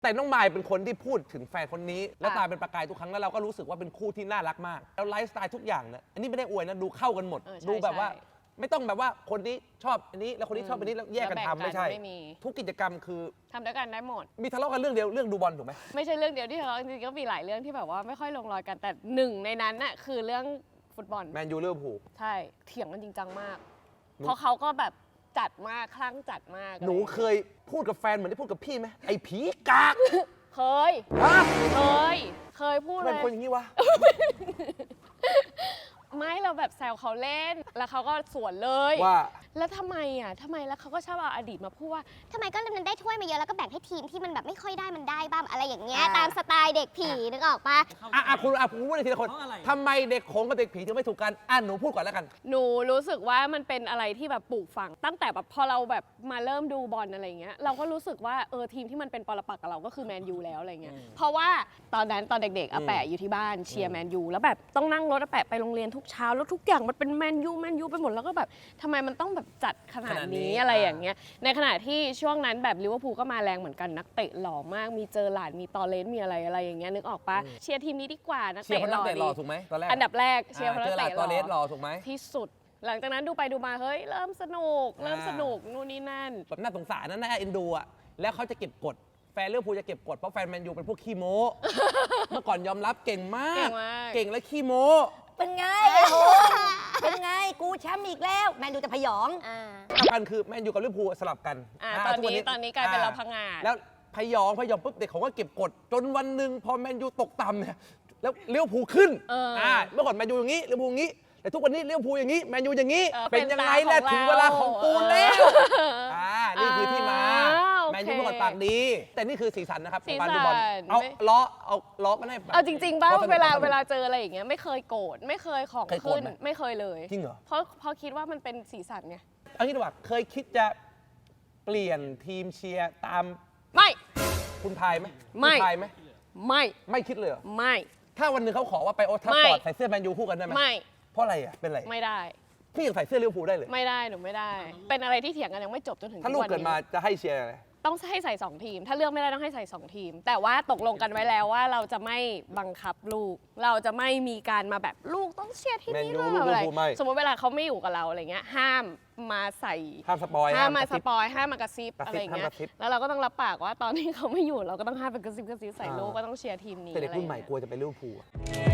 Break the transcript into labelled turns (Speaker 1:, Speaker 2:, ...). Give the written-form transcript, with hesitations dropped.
Speaker 1: แต่น้องมายเป็นคนที่พูดถึงแฟนคนนี้แล้วตาเป็นประกายทุกครั้งแล้วเราก็รู้สึกว่าเป็นคู่ที่น่ารักมากแล้วไลฟ์สไตล์ทุกอย่างเนี่ยอันนี้ไม่ได้อวยนะดูเข้ากันหมดดูแบบว่าไม่ต้องแบบว่าคนนี้ชอบอันนี้แล้วคนนี้ชอบอันนี้แล้วแยกกันทำไม่ใช่ทุกกิจกรรมคือ
Speaker 2: ทำด้วยกันได้หมด
Speaker 1: มีทะเลาะกันเรื่องเดียวเรื่องดูบอลถูกไหม
Speaker 2: ไม่ใช่เรื่องเดียวที่ทะเลาะจริงๆก็มีหลายเรื่องที่แบบว่าไม่ค่อยลงรอยกันแต่หนึ่งในนั้นน่ะคือเรื่องฟุตบอล
Speaker 1: แมนยูลิเวอร์พูล
Speaker 2: ใช่เถียงกันจริงจังมากเพราะเขาก็แบบจัดมากคลั่งจัดมาก
Speaker 1: หนูเคยพูดกับแฟนเหมือนที่พูดกับพี่ไหมไอ้ผีกาก
Speaker 2: เคยเคยพูดเลย
Speaker 1: เป็นคนอย่างนี้วะ
Speaker 2: ไม่เราแบบแซวเขาเล่นแล้วเขาก็สวนเลย
Speaker 1: ว่า
Speaker 2: แล้วทำไมแล้วเขาก็ชอบเอาอดีตมาพูดว่า
Speaker 3: ทำไมก็มันได้ถ้วยมาเยอะแล้วก็แบ่งให้ทีมที่มันแบบไม่ค่อยได้มันได้บ้างอะไรอย่างเงี้ยตามสไตล์เด็กผีนึกออกปะ
Speaker 1: คุณพูดในทีละคนทำไมเด็กโขงกับเด็กผีถึงไม่ถูกกันหนูพูดก่อนแล้วกัน
Speaker 2: หนูรู้สึกว่ามันเป็นอะไรที่แบบปลูกฝังตั้งแต่แบบพอเราแบบมาเริ่มดูบอลอะไรเงี้ยเราก็รู้สึกว่าทีมที่มันเป็นปรปักษ์กับเราก็คือแมนยูแล้วอะไรเงี้ยเพราะว่าตอนเด็กๆอาแปะอยู่ที่บ้านเชียร์แมนยูแล้วแบบต้องนั่งรถอาแปะไปโรงเรียนทุกเช้าแล้วทุกอย่างมันเป็นแมนยูไปหมดแล้วก็แบบทำไมมันต้องแบบจัดขนาดนี้อะไรอย่างเงี้ยในขณะที่ช่วงนั้นแบบลิเวอร์พูลก็มาแรงเหมือนกันนักเตะหล่อมากมีเจอหลานมีตอเลนมีอะไรอย่างเงี้ยนึกออกปะเชียร์ทีมนี้ดีกว่านักเตะหล่อ
Speaker 1: ถูกไหมตอนแรก
Speaker 2: อันดับแรกเชียร์เพราะนักเตะห
Speaker 1: ล่อถูกไหม
Speaker 2: ที่สุดหลังจากนั้นดูไปดูมาเฮ้ยเริ่มสนุกนู่นนี่นั่น
Speaker 1: แบบน่าสงสารน่าเอ็นดูอ่ะแล้วเขาจะเก็บกดแฟนลิเวอร์พูลจะเก็บกดเพราะแฟนแมนยูเป็นพวกขี้โม้เมื่อก่อนยอมรับเก่งมากเก่งและขี้โม้
Speaker 4: เป็นไงโหเป็นไงกูแชมป์อีกแล้วแมนยูจะพยอง
Speaker 1: สำคัญคือแมนยูกับลิเวอร์พูลสลับกัน
Speaker 2: ตอนนี้กลายเป็นเราพังงา
Speaker 1: แล้วพยองปุ๊บเด็กเขาก็เก็บกดจนวันหนึ่งพอแมนยูตกต่ำเนี่ยแล้วลิเวอร์พูลขึ้นเมื่อก่อนแมนยูอย่างนี้ลิเวอร์พูลอย่างนี้แต่ทุกวันนี้ลิเวอร์พูลอย่างนี้แมนยูอย่างนี้เป็นยังไงแหละถึงเวลาของกูแล้วนี่คือที่มาแมนยูเมื่อก่อนปากดีแต่นี่คือสีสันนะครับการดูบอลเอาล้อมันให้
Speaker 2: เอาจริงๆบ้างเวลาเจออะไรอย่างเงี้ยไม่เคยโกรธไม่เคยของขึ้นไม่เคยเลย
Speaker 1: จริงเหรอ
Speaker 2: เพราะคิดว่ามันเป็นสีสันไง
Speaker 1: เอางี้ดีกว่าเคยคิดจะเปลี่ยนทีมเชียร์ตาม
Speaker 2: ไม่
Speaker 1: คุณพายไหมไม่คิดเลยเหรอ
Speaker 2: ไม่
Speaker 1: ถ้าวันหนึ่งเขาขอว่าไปโอทัฟฟอร์ดใส่เสื้อแมนยูคู่กันได้ไหม
Speaker 2: ไม่
Speaker 1: เพราะอะไรอ่ะเป็นอะไร
Speaker 2: ไม่ได้
Speaker 1: พี่ยังใส่เสื้อลิเวอร์พูลได้เลย
Speaker 2: ไม่ได้หนูไม่ได้เป็นอะไรที่เถียงกันยังไม่จบจนถึง
Speaker 1: ถ้าลูกเกิดมาจะให้เชียร์อะไร
Speaker 2: ต้องให้ใส่2ทีมถ้าเลือกไม่ได้ต้องให้ใส่2ทีมแต่ว่าตกลงกันไว้แล้วว่าเราจะไม่บังคับลูกเราจะไม่มีการมาแบบลูกต้องเชียร์ที่นี่หรืออะไรสมมติเวลาเขาไม่อยู่กับเราอะไรเงี้ยห้ามมาใส่
Speaker 1: ห้ามสปอย
Speaker 2: ห้ามมากระซิบอะไรเงี้ยแล้วเราก็ต้องรับปากว่าตอนที่เขาไม่อยู่เราก็ต้องห้ามไปกระซิบใส่ลูกก็ต้องเชียร์ทีมนี้
Speaker 1: แต่เด็กรุ่นใหม่กลัวจะไปลิเวอร์พูล